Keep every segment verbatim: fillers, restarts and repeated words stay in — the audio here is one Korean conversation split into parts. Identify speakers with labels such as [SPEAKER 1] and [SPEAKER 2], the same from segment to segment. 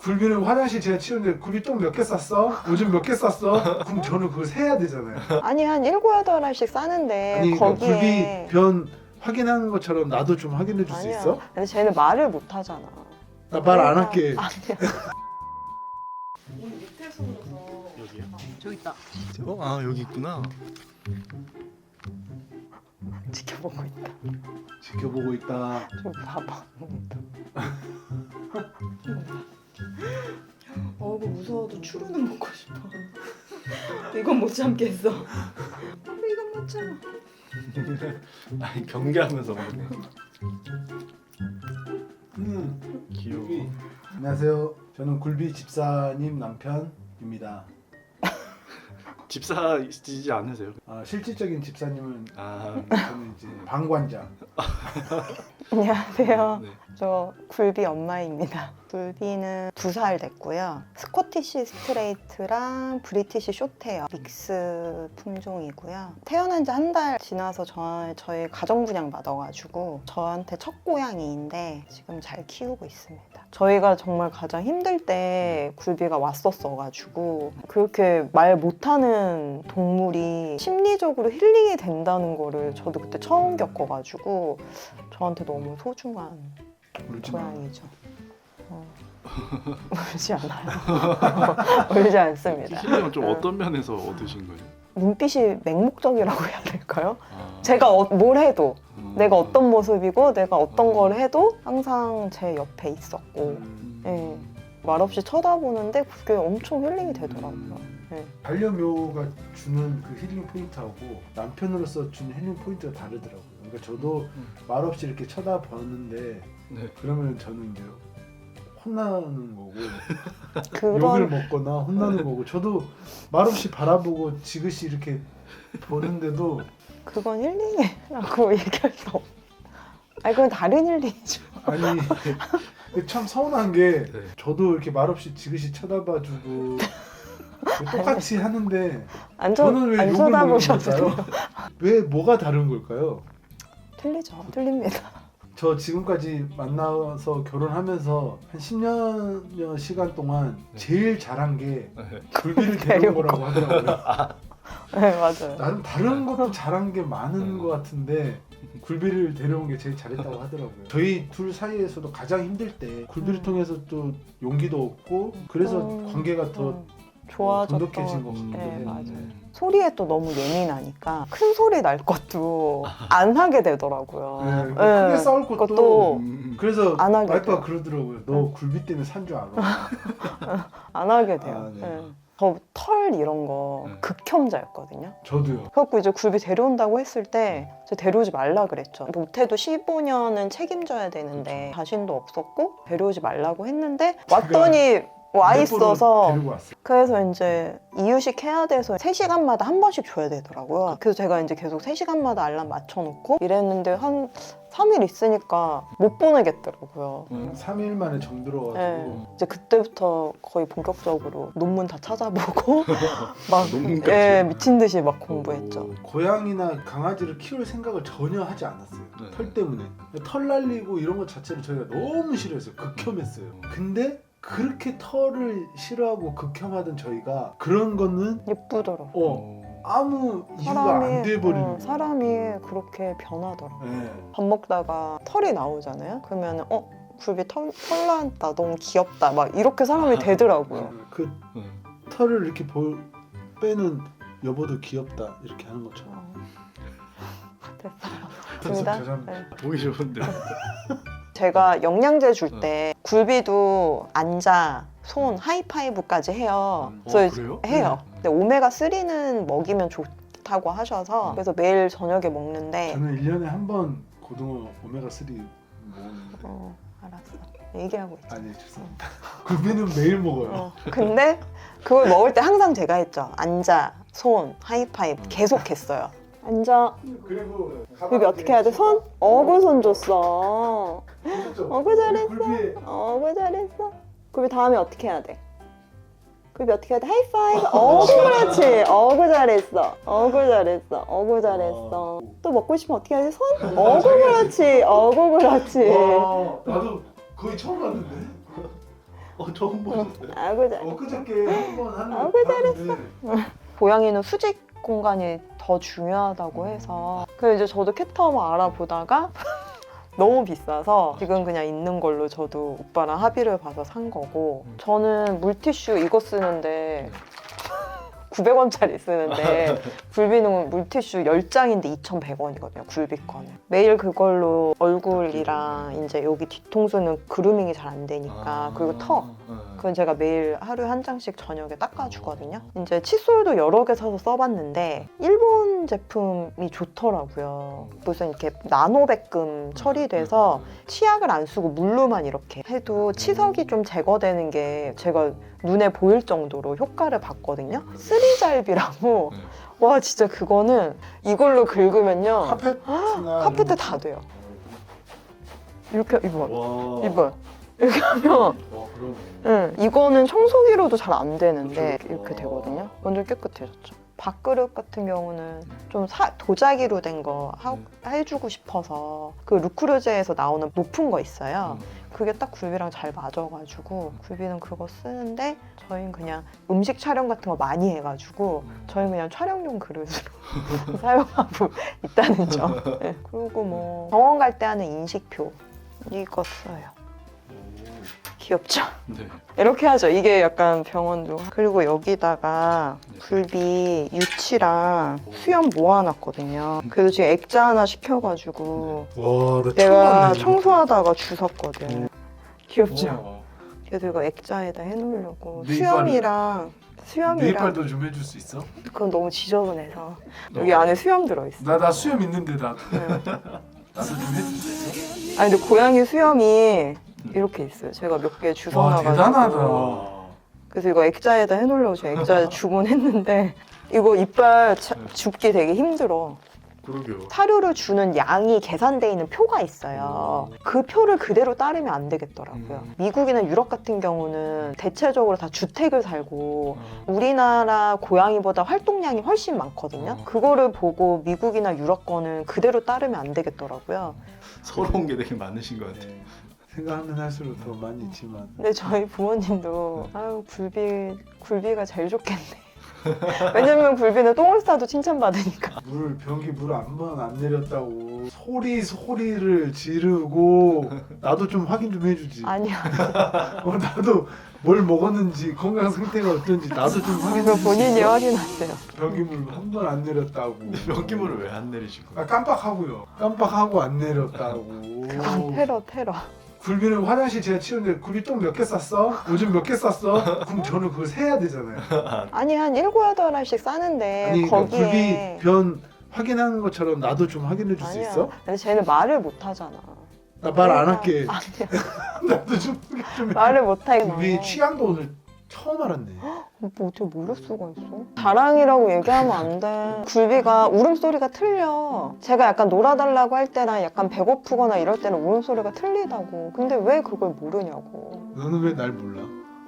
[SPEAKER 1] 굴비는 화장실 제가 치우는데 굴비 똥 몇 개 쌌어? 오줌 몇 개 쌌어? 그럼 저는 그걸 세야 되잖아요.
[SPEAKER 2] 아니 한 일곱 여덟 알씩 싸는데
[SPEAKER 1] 아니 그러니까
[SPEAKER 2] 거기에
[SPEAKER 1] 굴비 변 확인하는 것처럼 나도 좀 확인해 줄 수
[SPEAKER 2] 아니야.
[SPEAKER 1] 있어?
[SPEAKER 2] 근데 쟤는 말을 못 하잖아.
[SPEAKER 1] 나 말 안 할게.
[SPEAKER 2] 아니야.
[SPEAKER 3] 오늘 밑에 숨어서
[SPEAKER 4] 여기요?
[SPEAKER 3] 저기 있다.
[SPEAKER 4] 어? 아 여기 있구나.
[SPEAKER 2] 지켜보고 있다.
[SPEAKER 1] 지켜보고 있다.
[SPEAKER 2] 좀 봐봐.
[SPEAKER 3] 어, 이거 무서워도 추루는 먹고 싶어. 이건 못 참겠어. 어, 이건 못 참아.
[SPEAKER 4] 아니 경계하면서 먹네.
[SPEAKER 1] 음,
[SPEAKER 4] 귀여워.
[SPEAKER 1] 굴비. 안녕하세요. 저는 굴비 집사님 남편입니다.
[SPEAKER 4] 집사이지 않으세요?
[SPEAKER 1] 아, 실질적인 집사님은
[SPEAKER 4] 아
[SPEAKER 1] 저는 이제 방관자.
[SPEAKER 2] 안녕하세요.
[SPEAKER 4] 네.
[SPEAKER 2] 저 굴비 엄마입니다. 굴비는 두 살 됐고요. 스코티시 스트레이트랑 브리티시 숏헤어 믹스 품종이고요. 태어난 지 한 달 지나서 저, 저희 가정분양 받아가지고 저한테 첫 고양이인데 지금 잘 키우고 있습니다. 저희가 정말 가장 힘들 때 굴비가 왔었어가지고 그렇게 말 못하는 동물이 심리적으로 힐링이 된다는 거를 저도 그때 처음 겪어가지고 저한테 너무 소중한
[SPEAKER 1] 울지 마.
[SPEAKER 2] 고양이죠. 어. 울지 않아요. 울지 않습니다.
[SPEAKER 4] 힐링은 좀
[SPEAKER 2] 어.
[SPEAKER 4] 어떤 면에서 얻으신 거예요?
[SPEAKER 2] 눈빛이 맹목적이라고 해야 될까요?
[SPEAKER 4] 아.
[SPEAKER 2] 제가 어, 뭘 해도
[SPEAKER 4] 음.
[SPEAKER 2] 내가 어떤 모습이고 내가 어떤
[SPEAKER 4] 음.
[SPEAKER 2] 걸 해도 항상 제 옆에 있었고
[SPEAKER 1] 음,
[SPEAKER 2] 예. 말없이 쳐다보는데 그게 엄청 힐링이 되더라고요. 예.
[SPEAKER 1] 반려묘가 주는 그 힐링 포인트하고 남편으로서 주는 힐링 포인트가 다르더라고요. 그러니까 저도
[SPEAKER 4] 음.
[SPEAKER 1] 말없이 이렇게 쳐다보는데
[SPEAKER 4] 네.
[SPEAKER 1] 그러면 저는 이제 혼나는 거고
[SPEAKER 2] 그런
[SPEAKER 1] 욕을 먹거나 혼나는 거고 저도 말없이 바라보고 지그시 이렇게 보는데도
[SPEAKER 2] 그건 힐링이라고 얘기할 수 없. 아니 그건 다른 힐링이죠.
[SPEAKER 1] 아니 근데 참 서운한 게
[SPEAKER 4] 네.
[SPEAKER 1] 저도 이렇게 말없이 지그시 쳐다봐주고 똑같이 하는데
[SPEAKER 2] 안, 쳐,
[SPEAKER 1] 저는 왜
[SPEAKER 2] 안
[SPEAKER 1] 욕을 먹는
[SPEAKER 2] 쳐다보셔도 돼요.
[SPEAKER 1] 걸까요? 왜 뭐가 다른 걸까요?
[SPEAKER 2] 틀리죠. 틀립니다.
[SPEAKER 1] 저 지금까지 만나서 결혼하면서 한 십 년여 시간 동안
[SPEAKER 4] 네.
[SPEAKER 1] 제일 잘한 게
[SPEAKER 4] 네.
[SPEAKER 1] 굴비를 데려온 거라고 하더라고요.
[SPEAKER 2] 네 맞아요.
[SPEAKER 1] 나는 다른 것도 잘한 게 많은
[SPEAKER 4] 네.
[SPEAKER 1] 것 같은데 굴비를 데려온 게 제일 잘했다고 하더라고요. 저희 둘 사이에서도 가장 힘들 때 굴비를
[SPEAKER 2] 음.
[SPEAKER 1] 통해서 또 용기도 얻고 그래서
[SPEAKER 2] 음,
[SPEAKER 1] 관계가 더
[SPEAKER 2] 음, 좋아졌던
[SPEAKER 1] 돈독해진 것
[SPEAKER 4] 음.
[SPEAKER 1] 같기도
[SPEAKER 2] 네,
[SPEAKER 1] 해요.
[SPEAKER 2] 맞아요. 소리에 또 너무 예민하니까 큰 소리 날 것도 안 하게 되더라고요.
[SPEAKER 1] 네, 뭐 크게 싸울 것도
[SPEAKER 2] 그것도
[SPEAKER 4] 음.
[SPEAKER 1] 그래서
[SPEAKER 2] 안 하게
[SPEAKER 1] 와이프가
[SPEAKER 2] 돼요.
[SPEAKER 1] 그러더라고요. 너
[SPEAKER 2] 응.
[SPEAKER 1] 굴비 때문에 산 줄 알아.
[SPEAKER 2] 안 하게 돼요.
[SPEAKER 1] 아, 네.
[SPEAKER 2] 네. 저 털 이런 거
[SPEAKER 4] 네.
[SPEAKER 2] 극혐자였거든요.
[SPEAKER 1] 저도요.
[SPEAKER 2] 그래갖고 이제 굴비 데려온다고 했을 때 제가 데려오지 말라 그랬죠. 못해도 십오 년은 책임져야 되는데 자신도 없었고 데려오지 말라고 했는데 왔더니 와 있어서
[SPEAKER 1] 데리고 왔어요.
[SPEAKER 2] 그래서 이제 이유식 해야 돼서 세 시간마다 한 번씩 줘야 되더라고요. 그래서 제가 이제 계속 세 시간마다 알람 맞춰놓고 이랬는데 한 삼 일 있으니까 못 보내겠더라고요.
[SPEAKER 4] 음.
[SPEAKER 1] 삼 일 만에 정들어가지고
[SPEAKER 2] 네. 이제 그때부터 거의 본격적으로 논문 다 찾아보고 막
[SPEAKER 4] 논문까지?
[SPEAKER 2] 예, 미친 듯이 막 공부했죠.
[SPEAKER 4] 오.
[SPEAKER 1] 고양이나 강아지를 키울 생각을 전혀 하지 않았어요.
[SPEAKER 4] 네.
[SPEAKER 1] 털 때문에. 털 날리고 이런 것 자체를 저희가 너무 싫어했어요. 극혐했어요. 근데 그렇게 털을 싫어하고 극혐하던 저희가 그런 거는
[SPEAKER 2] 예쁘더라고.
[SPEAKER 1] 어 아무 이유가 안 돼버리는
[SPEAKER 2] 어,
[SPEAKER 1] 거예요.
[SPEAKER 2] 사람이 그렇게 변하더라고.
[SPEAKER 1] 네.
[SPEAKER 2] 밥 먹다가 털이 나오잖아요. 그러면 어 굴비 털, 털 나왔다. 너무 귀엽다. 막 이렇게 사람이 되더라고요.
[SPEAKER 1] 그
[SPEAKER 4] 네.
[SPEAKER 1] 털을 이렇게 볼, 빼는 여보도 귀엽다 이렇게 하는 것처럼.
[SPEAKER 2] 어. 됐어요.
[SPEAKER 1] 됐어,
[SPEAKER 2] 됩니다.
[SPEAKER 1] 죄송합니다.
[SPEAKER 2] 네.
[SPEAKER 4] 보기 좋은데.
[SPEAKER 2] 제가 영양제 줄 때 굴비도 앉아, 손, 하이파이브까지 해요.
[SPEAKER 4] 음.
[SPEAKER 2] 그래서
[SPEAKER 4] 어, 그래요?
[SPEAKER 2] 해요.
[SPEAKER 4] 네.
[SPEAKER 2] 근데 오메가삼은 먹이면 좋다고 하셔서 그래서 매일 저녁에 먹는데
[SPEAKER 1] 저는 일 년에 한 번 고등어 오메가삼 먹었는데
[SPEAKER 2] 어, 알았어. 얘기하고 있죠.
[SPEAKER 1] 아니 죄송합니다. 굴비는 매일 먹어요.
[SPEAKER 2] 어, 근데 그걸 먹을 때 항상 제가 했죠. 앉아, 손, 하이파이브
[SPEAKER 4] 음.
[SPEAKER 2] 계속 했어요. 앉아.
[SPEAKER 1] 그리고
[SPEAKER 2] 굴비 어떻게 해야 돼? 손? 어구 손 줬어.
[SPEAKER 1] 그렇죠.
[SPEAKER 2] 어구 잘했어.
[SPEAKER 1] 굴비에
[SPEAKER 2] 어구 잘했어. 굴비 다음에 어떻게 해야 돼? 굴비 어떻게 해야 돼? 하이파이브. 어구 그렇지. 어구 잘했어. 어구 잘했어. 어구 잘했어. 또 먹고 싶으면 어떻게 해야 돼? 손? 어구 그렇지. 어구 그렇지.
[SPEAKER 1] 와, 나도 거의 처음 봤는데.
[SPEAKER 4] 어 처음 보셨어요?
[SPEAKER 2] 아이고 잘.
[SPEAKER 1] 엊그저께 한번 하는
[SPEAKER 2] 아이고,
[SPEAKER 1] 잘했어.
[SPEAKER 2] 고양이는 수직 공간이 더 중요하다고 해서 그래서 이제 저도 캣타워 알아보다가 너무 비싸서 지금 그냥 있는 걸로 저도 오빠랑 합의를 봐서 산 거고 저는 물티슈 이거 쓰는데 구백 원짜리 쓰는데 굴비는 물티슈 열 장인데 이천백 원이거든요. 굴비 거는. 매일 그걸로 얼굴이랑 이제 여기 뒤통수는 그루밍이 잘 안 되니까 그리고 턱 그건 제가 매일 하루에 한 장씩 저녁에 닦아주거든요. 이제 칫솔도 여러 개 사서 써봤는데 일본 제품이 좋더라고요. 무슨 이렇게 나노백금 처리돼서 치약을 안 쓰고 물로만 이렇게 해도 치석이 좀 제거되는 게 제가 눈에 보일 정도로 효과를 봤거든요. 쓰리잘비라고 와 진짜 그거는 이걸로 긁으면요
[SPEAKER 1] 카페트나
[SPEAKER 2] 카페트 다 돼요. 이렇게 이거
[SPEAKER 4] 와.
[SPEAKER 2] 이거 이렇게 하면
[SPEAKER 1] 와 그러네.
[SPEAKER 2] 응, 이거는 청소기로도 잘 안 되는데
[SPEAKER 1] 그쵸.
[SPEAKER 2] 이렇게 되거든요. 완전 깨끗해졌죠. 밥그릇 같은 경우는 좀 사- 도자기로 된 거 해주고 싶어서 그 루크루제에서 나오는 높은 거 있어요. 그게 딱 굴비랑 잘 맞아가지고 굴비는 그거 쓰는데 저희는 그냥 음식 촬영 같은 거 많이 해가지고 저희는 그냥 촬영용 그릇으로 사용하고 있다는 점. 네. 그리고 뭐 병원 갈 때 하는 인식표 이거 써요. 귀엽죠?
[SPEAKER 4] 네.
[SPEAKER 2] 이렇게 하죠. 이게 약간 병원도. 그리고 여기다가 굴비 유치랑 수염 모아놨거든요. 그래서 지금 액자 하나 시켜가지고
[SPEAKER 1] 와, 나
[SPEAKER 2] 내가
[SPEAKER 1] 처음
[SPEAKER 2] 청소하다가 주웠거든. 귀엽죠?
[SPEAKER 1] 와.
[SPEAKER 2] 그래서 이거 액자에다 해놓으려고
[SPEAKER 1] 네이빨-
[SPEAKER 2] 수염이랑 수염이랑
[SPEAKER 1] 네이빨도 좀 해줄 수 있어?
[SPEAKER 2] 그건 너무 지저분해서 여기 안에 수염 들어있어.
[SPEAKER 1] 나 나 수염 있는데 나
[SPEAKER 2] 네.
[SPEAKER 1] 나도 좀 해줄 수 있어?
[SPEAKER 2] 아니 근데 고양이 수염이 이렇게 있어요. 제가 몇 개
[SPEAKER 1] 와
[SPEAKER 2] 주워놔가지고.
[SPEAKER 1] 대단하다.
[SPEAKER 2] 그래서 이거 액자에다 해놓으려고 제가 액자에 주문했는데 이거 이빨 차- 줍기 되게 힘들어.
[SPEAKER 4] 그러게요.
[SPEAKER 2] 사료를 주는 양이 계산돼 있는 표가 있어요. 그 표를 그대로 따르면 안 되겠더라고요.
[SPEAKER 4] 음.
[SPEAKER 2] 미국이나 유럽 같은 경우는 대체적으로 다 주택을 살고 우리나라 고양이보다 활동량이 훨씬 많거든요.
[SPEAKER 4] 어.
[SPEAKER 2] 그거를 보고 미국이나 유럽 거는 그대로 따르면 안 되겠더라고요.
[SPEAKER 4] 서러운 게 되게 많으신 것 같아요.
[SPEAKER 1] 네. 생각하면 할수록 더 많이 있지만
[SPEAKER 2] 근데 저희 부모님도 아유 굴비 굴비가 제일 좋겠네. 왜냐면 굴비는 똥을 싸도 칭찬받으니까.
[SPEAKER 1] 물 변기 물 한 번 안 내렸다고 소리 소리를 지르고 나도 좀 확인 좀 해주지.
[SPEAKER 2] 아니야.
[SPEAKER 1] 어, 나도 뭘 먹었는지 건강 상태가 어떤지 나도 좀 확인해
[SPEAKER 2] 그거
[SPEAKER 1] 주지.
[SPEAKER 2] 본인이 확인하세요.
[SPEAKER 1] 변기 물 한 번 안 내렸다고.
[SPEAKER 4] 변기물을 왜 안 내리신 거예요?
[SPEAKER 1] 아 깜빡하고요. 깜빡하고 안 내렸다고.
[SPEAKER 2] 그건 테러 테러.
[SPEAKER 1] 굴비는 화장실 제가 치우는데 굴비 똥 몇 개 쌌어? 요즘 몇 개 쌌어? 그럼 저는 그걸 세야 되잖아요.
[SPEAKER 2] 아니 한 일곱 여덟 알씩 싸는데
[SPEAKER 1] 아니 그러니까
[SPEAKER 2] 거기에
[SPEAKER 1] 굴비 변 확인하는 것처럼 나도 좀 확인해 줄 수
[SPEAKER 2] 아니야.
[SPEAKER 1] 있어?
[SPEAKER 2] 근데 쟤는 말을 못 하잖아.
[SPEAKER 1] 나 말 안 할게.
[SPEAKER 2] 아니야.
[SPEAKER 1] 나도 좀 확인 좀 해.
[SPEAKER 2] 말을 못 하게.
[SPEAKER 1] 굴비 취향도 오늘 처음 알았네.
[SPEAKER 2] 뭐 어떻게 모를 수가 있어? 자랑이라고 얘기하면 안 돼. 굴비가 울음소리가 틀려. 제가 약간 놀아달라고 할 때랑 약간 배고프거나 이럴 때는 울음소리가 틀리다고. 근데 왜 그걸 모르냐고.
[SPEAKER 1] 너는 왜 날 몰라?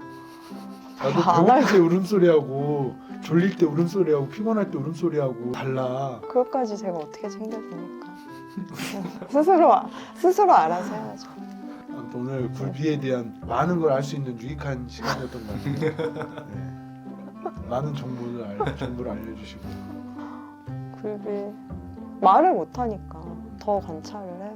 [SPEAKER 2] 안
[SPEAKER 1] 나도 배고플 때 울음소리하고 졸릴 때 울음소리하고 피곤할 때 울음소리하고 달라.
[SPEAKER 2] 그것까지 제가 어떻게 챙겨줍니까? 스스로 스스로 알아서 해야죠.
[SPEAKER 1] 아무튼 오늘 굴비에 대한 많은 걸 알 수 있는 유익한 시간이었던 것 같아요. 네. 많은 정보를 알, 정보를 알려주시고.
[SPEAKER 2] 굴비 말을 못 하니까 더 관찰을